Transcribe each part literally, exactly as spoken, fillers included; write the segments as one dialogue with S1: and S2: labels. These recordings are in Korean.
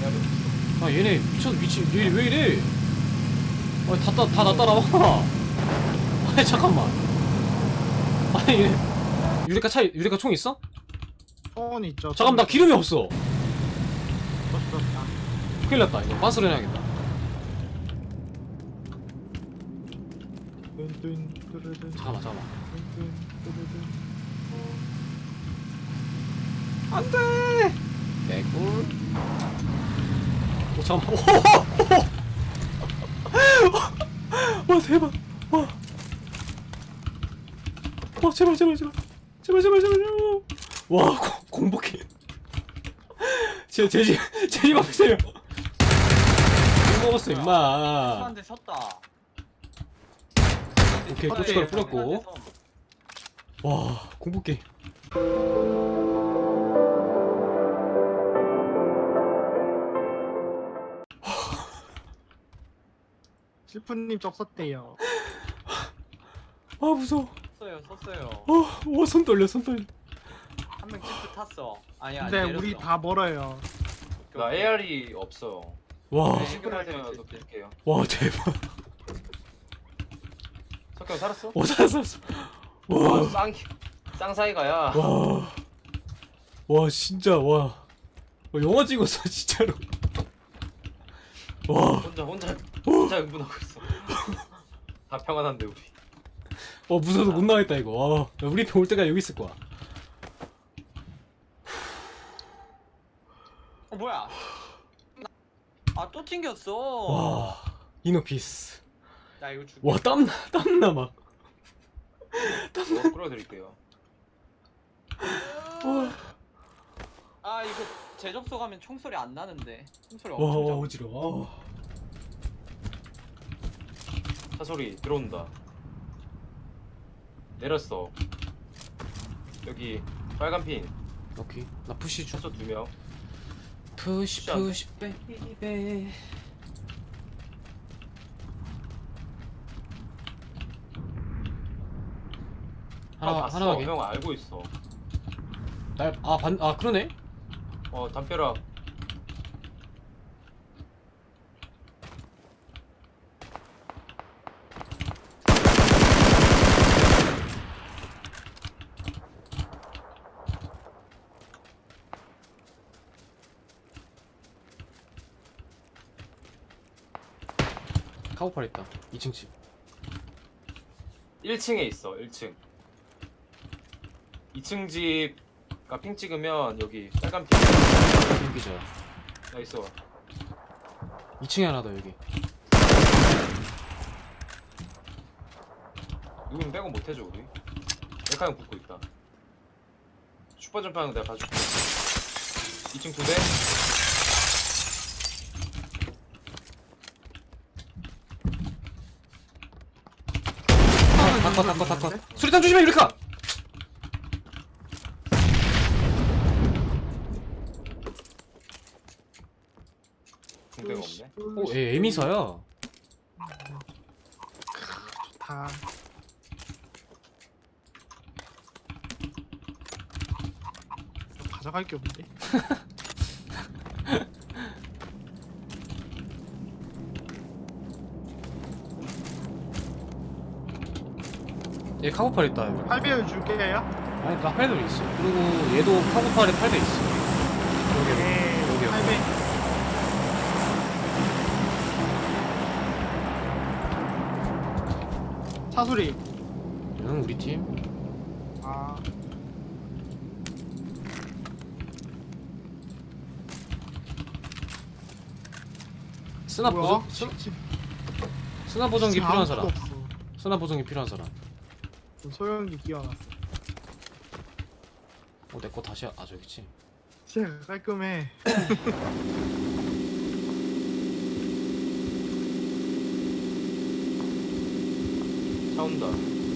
S1: 아 얘네 미쳤 미친 얘 왜 이래? 아니 다다 다 나 따라와. 아니 잠깐만. 아니 얘 유레카 차 유레카 총 있어?
S2: 폰 있죠.
S1: 잠깐 나 기름이 없어.
S2: 없었다.
S1: 큰일 났다. 이거 빤스로 해야겠다.
S2: 뚠뚠 뚜루뚠.
S1: 잠깐만 잠깐만.
S2: 뚠뚠 뚜루뚠.
S1: 안돼. 개꿀. 오 잠깐만. 오, 와 대박. 와. 와 제발 제발 제발 제발 제발 제발. 와 고, 공복해. 제제집 제집 앞에서요. 못 먹었어 임마.
S3: 한대 섰다.
S1: 오케이 고춧가루 뿌렸고. 와 공복해.
S2: 실프님 쪽 썼대요.
S1: 아 무서워.
S3: 섰어요, 섰어요.
S1: 어, 와, 손 떨려, 손 떨려.
S3: 한 명 찌프 탔어. 아니야,
S2: 근데
S3: 내렸어.
S2: 우리 다 멀어요.
S4: 나 에이알이 없어.
S1: 와,
S3: 네.
S4: 시그널 드릴게요.
S1: 와, 대박.
S4: 석형 살았어?
S1: 와, 살았어, 살았어.
S4: 와,
S1: 와,
S4: 쌍 쌍사이가야.
S1: 와, 와, 진짜, 와. 와, 영화 찍었어, 진짜로. 와,
S4: 혼자 혼자 혼자 응분하고 있어. 다 평안한데 우리.
S1: 와, 무서워서 못 나가겠다, 이거. 와, 야, 우리 편 올 때까지 여기 있을 거야.
S3: 어, 뭐야? 아, 또 튕겼어.
S1: 와, 이노피스.
S3: 나 이거 죽.
S1: 와, 땀나, 땀나, 막.
S4: 뭐 끌어드릴게요.
S1: 와,
S3: 아, 이거 재접소 가면 총소리 안 나는데. 총소리
S1: 와,
S3: 엄청
S1: 와,
S3: 작아.
S1: 어지러워.
S4: 차 소리 들어온다. 내렸어. 여기 빨간 핀.
S1: 오케이, 나 푸시 줘.
S4: 차소 두 명.
S1: 푸시,
S4: 안 돼.
S1: 푸시, 베이베.
S4: 아,
S1: 하나,
S4: 봤어.
S1: 하나 가게.
S4: 형 알고 있어.
S1: 날, 아, 반, 아, 그러네?
S4: 어, 담벼락.
S1: 카고팔 있다. 이 층 집.
S4: 일 층에 있어. 일 층. 이 층 집가 핑 찍으면 여기 빨간 핀.
S1: 여기죠.
S4: 나 있어.
S1: 이 층에 하나 더, 여기.
S4: 누군 빼고 못 해줘 우리. 메카 형 붙고 있다. 슈퍼 점프하는 거 내가 봐줄게. 이 층 두 대.
S1: 아, 닦아, 닦아, 닦아. 수리탄 조심해, 유리카!
S4: 중대가 없네.
S1: 오, 얘 에미사야.
S2: 다. 가져갈 게 없는데.
S1: 얘 카고팔 있다, 여기.
S2: 팔 배율 줄게요.
S1: 아니, 나 팔 배 있어. 그리고 얘도 카고팔에 팔 배 있어. 여기, 여기.
S2: 네.
S1: 여기, 여기.
S2: 팔 배. 차소리.
S1: 응, 우리 팀.
S2: 아.
S1: 스나
S2: 뭐야?
S1: 보정, 스,
S2: 지-
S1: 스나 보정기
S2: 지금
S1: 필요한
S2: 아무것도
S1: 사람.
S2: 없어.
S1: 스나 보정기 필요한 사람.
S2: 소형기 끼워놨어.
S1: 어, 내 거 다시, 아, 저기 있지.
S2: 진짜 깔끔해.
S4: 차 온다.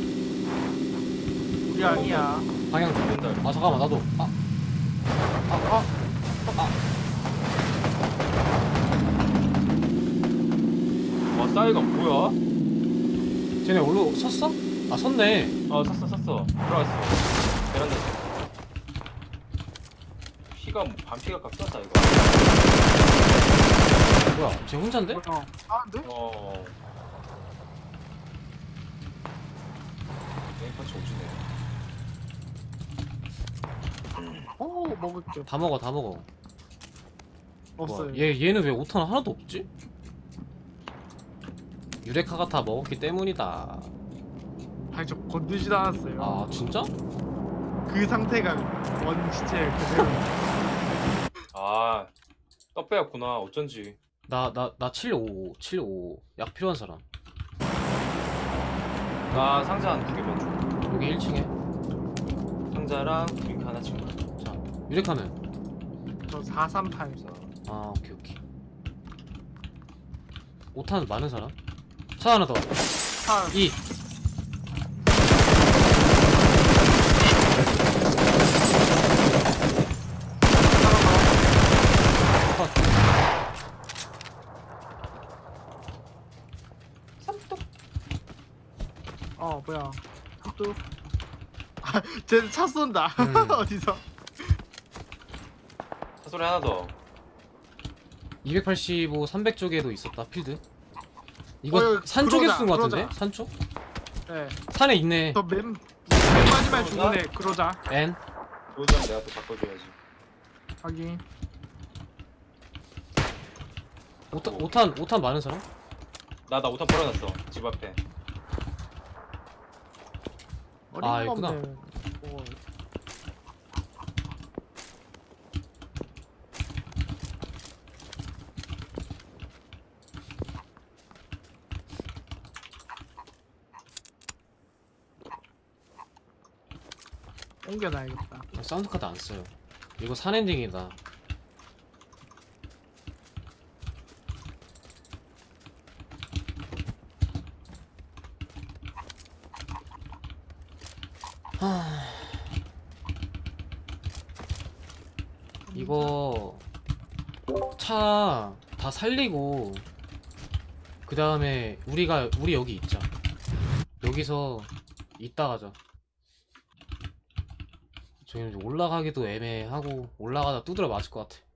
S2: 우리 아니야.
S1: 방향 좀.
S4: 온다.
S1: 아, 잠깐만, 나도. 아,
S2: 아,
S4: 와 싸이가 뭐야?
S1: 쟤네 올로 섰어? 아, 섰네.
S4: 어 섰어 섰어. 들어왔어. 베란다. 피가 뭐 반피가 깎였다 이거.
S1: 혼잔데?
S2: 어. 아, 근데?
S4: 어. 게임 파츠 오지네.
S2: 어, 먹을게.
S1: 다 먹어 다 먹어.
S2: 없어요.
S1: 뭐야, 얘 얘는 왜 오탄 하나도 없지? 유레카가 다 먹었기 때문이다.
S2: 아니, 저 건드지도 않았어요.
S1: 아 진짜?
S2: 그 상태가 원 시체 그대로.
S4: 아, 떡배였구나. 어쩐지.
S1: 나 나 나 칠오오 칠오오 약 필요한 사람.
S4: 나 상자 한 두 개만 줘.
S1: 여기 일 층에.
S4: 상자랑 드링크 하나 친구.
S1: 자 유레카는.
S2: 저 사삼팔.
S1: 아 오케이 오케이. 오탄 많은 사람? 차 하나 더.
S2: 차.
S1: 이. 컷.
S2: 어, 뭐야. 또. 아, 쟤차 쏜다.
S1: 음.
S2: 어디서?
S4: 사소리 하나 더.
S1: 이백팔십오, 삼백 쪽에도 있었다 필드. 이거
S2: 어, 여기
S1: 산 쪽에서
S2: 그러자,
S1: 쓴 거 같은데?
S2: 그러자.
S1: 산 쪽?
S2: 네.
S1: 산에 있네.
S2: 저맨 맨 마지막에 죽은 애 그러자.
S1: N.
S4: 보이장 내가 또 바꿔줘야지.
S2: 확인.
S1: 오탄 오탄 오탄 많은 사람?
S4: 나 나 오탄 버려놨어. 집 앞에.
S1: 아, 있구나.
S2: 어림없네. 뭐. 옮겨놔야겠다.
S1: 아, 사운드 카드 안 써요. 이거 산 엔딩이다. 하... 이거 차 다 살리고 그 다음에 우리가 우리 여기 있자. 여기서 이따 가자. 저희는 이제 올라가기도 애매하고 올라가다 두드려 맞을 것 같아.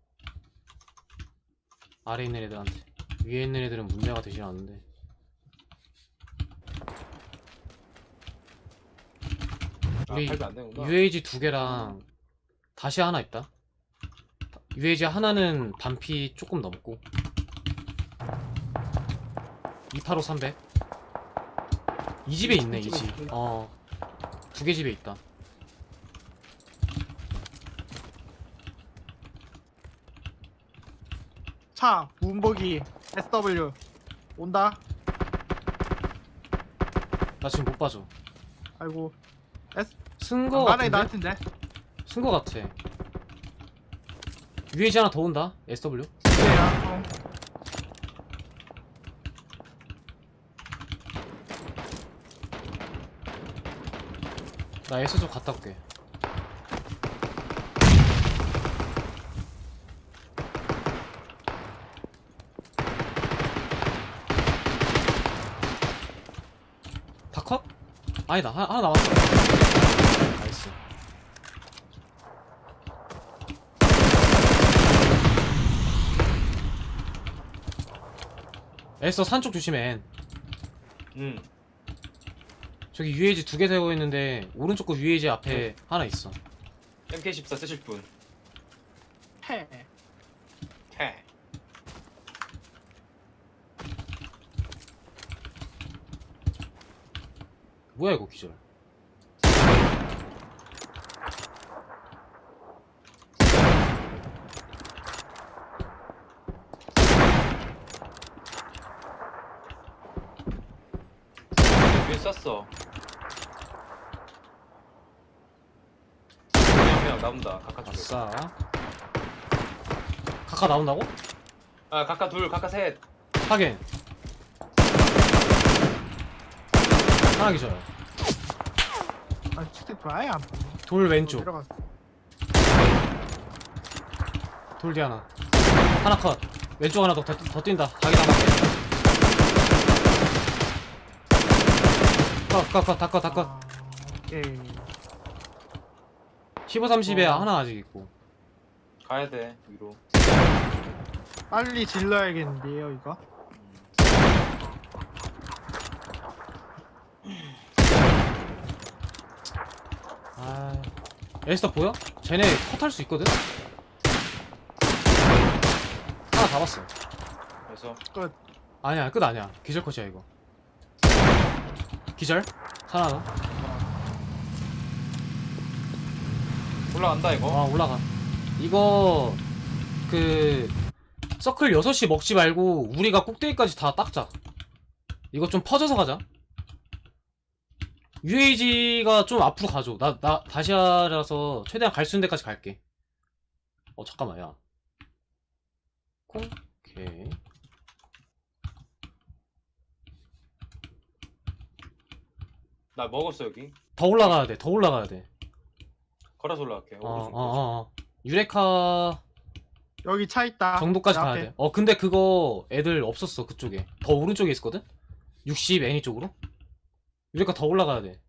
S1: 아래 있는 애들한테. 위에 있는 애들은 문제가 되진 않는데.
S4: 아,
S1: 우리
S4: 팔도 안 되는구나.
S1: 유에이지 두 개랑 다시 하나 있다. 유에이지 하나는 반피 조금 넘고. 이백팔십오, 삼백. 이 집에 있네, 이 집. 어. 두 개 집에 있다.
S2: 차 문복이 에스 더블유 온다.
S1: 나 지금 못 봐줘.
S2: 아이고. S
S1: 쓴 거
S2: 만화에
S1: 같은데?
S2: 나한텐데.
S1: 쓴 거 같아. 유에이지 하나 더 온다. 에스 더블유.
S2: 야, 어.
S1: 나 S 좀 갔다 올게. 다 컷? 아니다. 하나, 하나 남았어. 나이스. 에서 산쪽 조심해.
S4: 응.
S1: 저기 유에이지 두 개 세워 있는데 오른쪽 거 유에이지 앞에 하나 있어.
S4: 엠케이 십사 쓰실 분.
S2: 해.
S4: 해.
S1: 뭐야 이거 기절.
S4: 위에 쐈어. 그냥 나온다. 각하 쪽에.
S1: 아싸. 카카 나온다고?
S4: 아, 각하 둘, 각하 셋.
S1: 하긴. 하나 기절.
S2: 아, 스티프 아예 안 보여.
S1: 돌 왼쪽.
S2: 내려갔어.
S1: 돌 뒤 하나. 하나 컷. 왼쪽 하나 더, 더, 더 뛴다. 자기장 밖에. 컷, 컷, 컷, 다 컷, 다 컷.
S2: 아, 오케이.
S1: 십오, 삼십에
S2: 어.
S1: 하나 아직 있고.
S4: 가야 돼, 위로.
S2: 빨리 질러야겠는데요 이거.
S1: 아, 에스터 보여? 쟤네 컷할 수 있거든? 하나 잡았어.
S4: 그래서
S2: 끝.
S1: 아니야, 끝 아니야. 기절 컷이야, 이거. 기절? 하나 더.
S4: 올라간다 이거.
S1: 아, 올라가. 이거, 그, 서클 여섯 시 먹지 말고, 우리가 꼭대기까지 다 닦자. 이거 좀 퍼져서 가자. 유에이지가 좀 앞으로 가줘. 나, 나, 다시아라서 최대한 갈 수 있는 데까지 갈게. 어, 잠깐만, 야. 콩? 오케이.
S4: 나 먹었어 여기.
S1: 더 올라가야 돼, 더 올라가야 돼.
S4: 걸어서 올라갈게.
S1: 어, 어,
S4: 오른쪽,
S1: 어, 어. 유레카
S2: 여기 차 있다.
S1: 정도까지
S2: 내
S1: 가야
S2: 앞에.
S1: 돼. 어, 근데 그거 애들 없었어, 그쪽에. 더 오른쪽에 있었거든? 육십 애니 쪽으로? 유레카 더 올라가야 돼.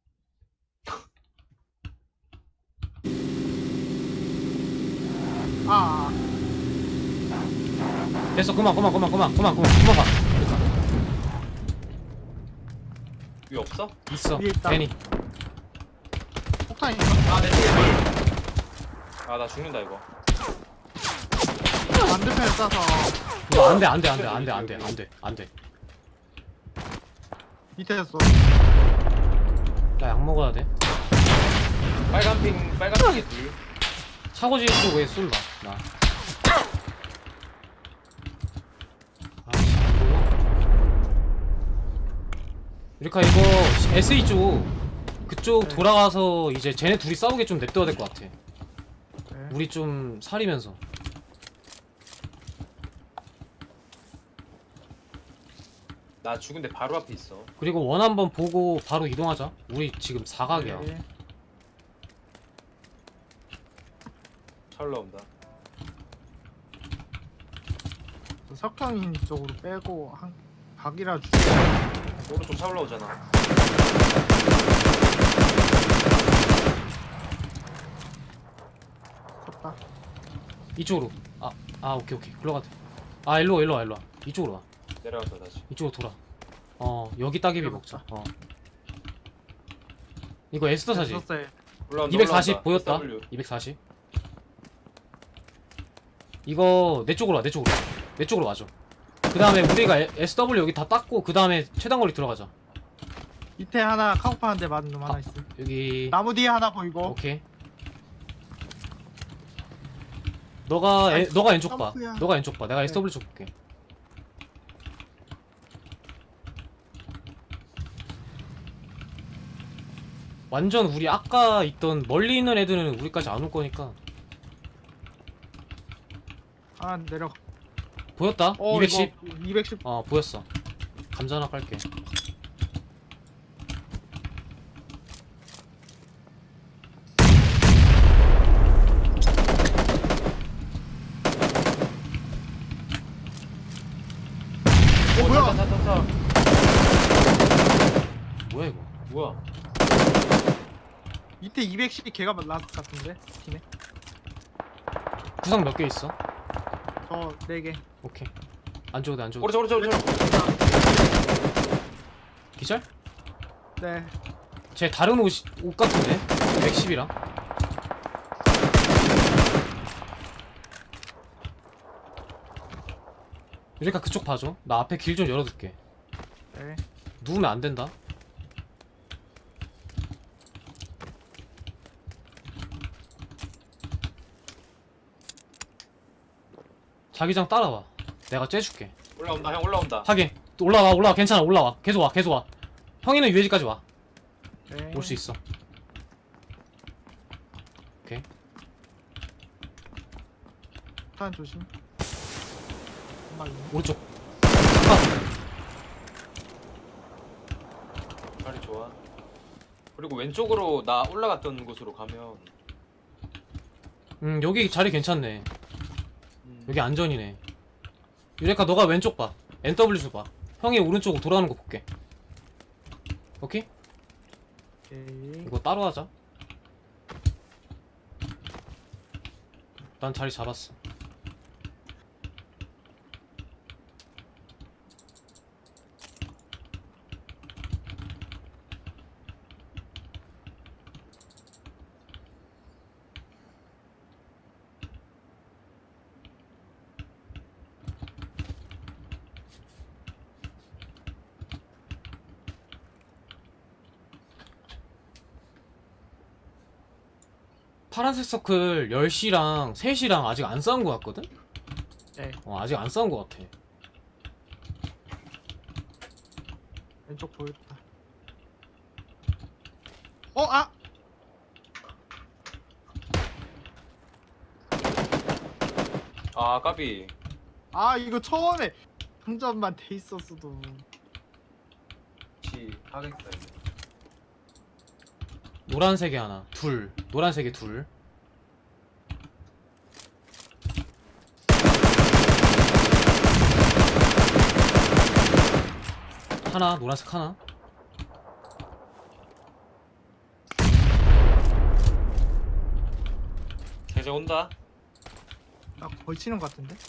S2: 아,
S1: 됐어, 그만, 그만, 그만, 그만, 그만, 그만, 그만 가. 유레카.
S4: 위 없어?
S1: 있어,
S2: 위에 있다.
S1: 애니.
S2: 폭탄 있어.
S4: 아내 뒤에 둘. 아나 죽는다 이거.
S2: 반대편에 쏴서.
S1: 이거 안 돼, 안 돼, 안 돼, 안 돼, 안 돼, 안 돼, 안 돼.
S2: 밑에서.
S1: 나 약 먹어야 돼.
S4: 빨간 핑 빨간 핑에 둘.
S1: 차고지 쪽에 쏠라, 나. 아씨, 안 보여. 유레카 이거 에스이 쪽 그쪽
S2: 네.
S1: 돌아가서 이제 쟤네 둘이 싸우게 좀 냅둬야 될 것 같아.
S2: 네.
S1: 우리 좀 사리면서.
S4: 나 죽은데 바로 앞에 있어.
S1: 그리고 원 한번 보고 바로 이동하자. 우리 지금 사각이야.
S2: 네.
S4: 차 올라온다.
S2: 석형인 쪽으로 빼고 한 박이라 주.
S4: 오른쪽 차 올라오잖아.
S2: 섰다.
S1: 이쪽으로. 아, 아 오케이 오케이. 글로 가돼. 아 일로 와 일로 와 일로 와. 이쪽으로 와.
S4: 내려간다 다시.
S1: 이쪽으로 돌아. 어 여기 따개비 먹자. 어. 이거 에스더 사지.
S2: 썼어요.
S4: 올라온다.
S1: 이백사십
S4: 올라온다.
S1: 보였다.
S4: 에스더블유.
S1: 이백사십. 이거 내 쪽으로 와. 내 쪽으로. 와. 내 쪽으로 와줘. 그 다음에 우리가 에- 에스더블유 여기 다 닦고 그 다음에 최단 거리 들어가자.
S2: 밑에 하나 카우파 한 대 맞은 놈 하나
S1: 아.
S2: 있어.
S1: 여기.
S2: 나무 뒤에 하나 보이고.
S1: 오케이. 너가 에,
S2: 아이,
S1: 너가 왼쪽 봐.
S2: 점프야.
S1: 너가 왼쪽 봐. 내가
S2: 네.
S1: 에스더블유 쪽 볼게. 완전 우리 아까 있던 멀리 있는 애들은 우리까지 안 올 거니까.
S2: 하나 내려.
S1: 보였다?
S2: 어,
S1: 이백십.
S2: 이거 이백십.
S1: 어 보였어. 감자 하나 깔게.
S4: 오,
S2: 뭐야?
S4: 차, 차, 차, 차.
S1: 뭐야 이거?
S4: 뭐야?
S2: 밑에 이백십이 걔가 라스트 같은데. 팀에.
S1: 구상 몇 개 있어?
S2: 저 네 개.
S1: 오케이. 안 줘도 돼, 안 줘도 돼.
S4: 오른쪽 오른쪽 오른쪽.
S1: 기절?
S2: 네.
S1: 쟤 다른 옷, 옷 같은데? 백십이랑. 유레카 그쪽 봐줘. 나 앞에 길 좀 열어둘게.
S2: 네.
S1: 누우면 안 된다. 자기장 따라와. 내가 째줄게.
S4: 올라온다 형 올라온다.
S1: 하긴. 또 올라와, 올라와. 괜찮아, 올라와. 계속 와, 계속 와. 형이는 유해지까지 와.
S2: 네.
S1: 올 수 있어. 오케이.
S2: 폭탄 조심. 엄마 있네.
S1: 오른쪽. 아,
S4: 자리 좋아. 그리고 왼쪽으로 나 올라갔던 곳으로 가면
S1: 음, 여기 자리 괜찮네.
S4: 음,
S1: 여기 안전이네. 유레카 너가 왼쪽 봐. 엔더블유 줘 봐. 형이 오른쪽으로 돌아오는 거 볼게. 오케이?
S2: 오케이.
S1: 이거 따로 하자. 난 자리 잡았어. 파란색 서클 열 시랑 세 시랑 아직 안 싸운 거 같거든?
S2: 네.
S1: 어 아직 안 싸운 거 같아.
S2: 왼쪽 보였다. 어, 아!
S4: 아 까비.
S2: 아, 이거 처음에 상점만 돼 있었어도.
S4: 시 하겠다 이제.
S1: 노란색에 하나 둘 노란색에 둘 하나 노란색 하나
S4: 대제 온다.
S2: 나 걸치는 것 같은데?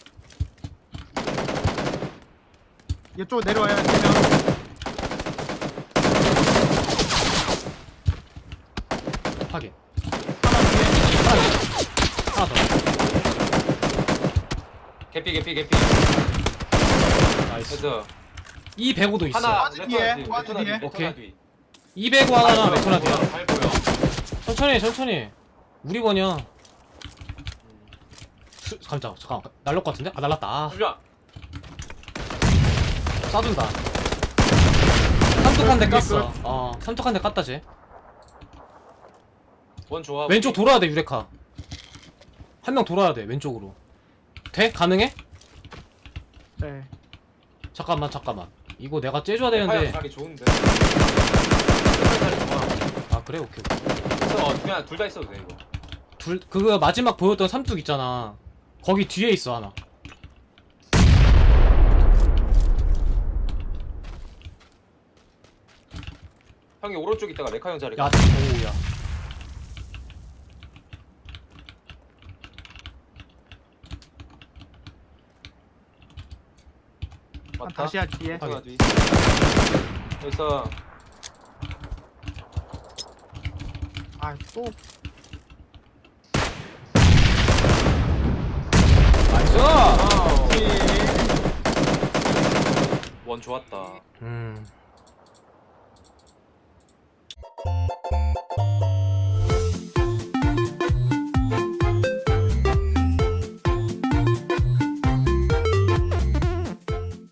S2: 이쪽으로 내려와야 되면.
S1: 확인
S2: 하나 뒤에.
S1: 하나 더
S4: 개피 개피 개피.
S1: 나이스
S4: 그래서
S1: 이 백오도 있어
S4: 하나
S2: 와드 뒤에,
S4: 레토나 뒤
S2: 와드
S4: 레토나 뒤
S2: 뒤에.
S4: 레토나
S1: 오케이.
S4: 뒤.
S1: 이 백오 하나랑
S4: 발 보여,
S1: 메토나디야
S4: 발 보여.
S1: 천천히 천천히 우리 번이야
S4: 음.
S1: 수, 잠깐 잠깐 날릴 것 같은데? 아 날랐다 아
S4: 야
S1: 쏴준다 삼뚝 한 대 깠어 어 삼뚝 한 대 깠다 쟤
S4: 원 좋아.
S1: 왼쪽 돌아야 돼 유레카 한 명 돌아야 돼 왼쪽으로 돼? 가능해?
S2: 네.
S1: 잠깐만 잠깐만 이거 내가 째줘야
S4: 파이어
S1: 되는데
S4: 자리 좋은데. 자리 좋아.
S1: 아 그래? 오케이 오케이
S4: 그래서 어, 그냥 둘 다 있어도 돼 이거.
S1: 둘 그거 마지막 보였던 삼뚝 있잖아 거기 뒤에 있어 하나
S4: 형이 오른쪽 있다가 레카 형 자리.
S1: 야 오야
S2: 한
S4: 맞다.
S2: 다시야 뒤에.
S4: 레토나 뒤. 그래서
S2: 아, 또.
S1: 나이스
S4: 와우. 원 좋았다.
S1: 음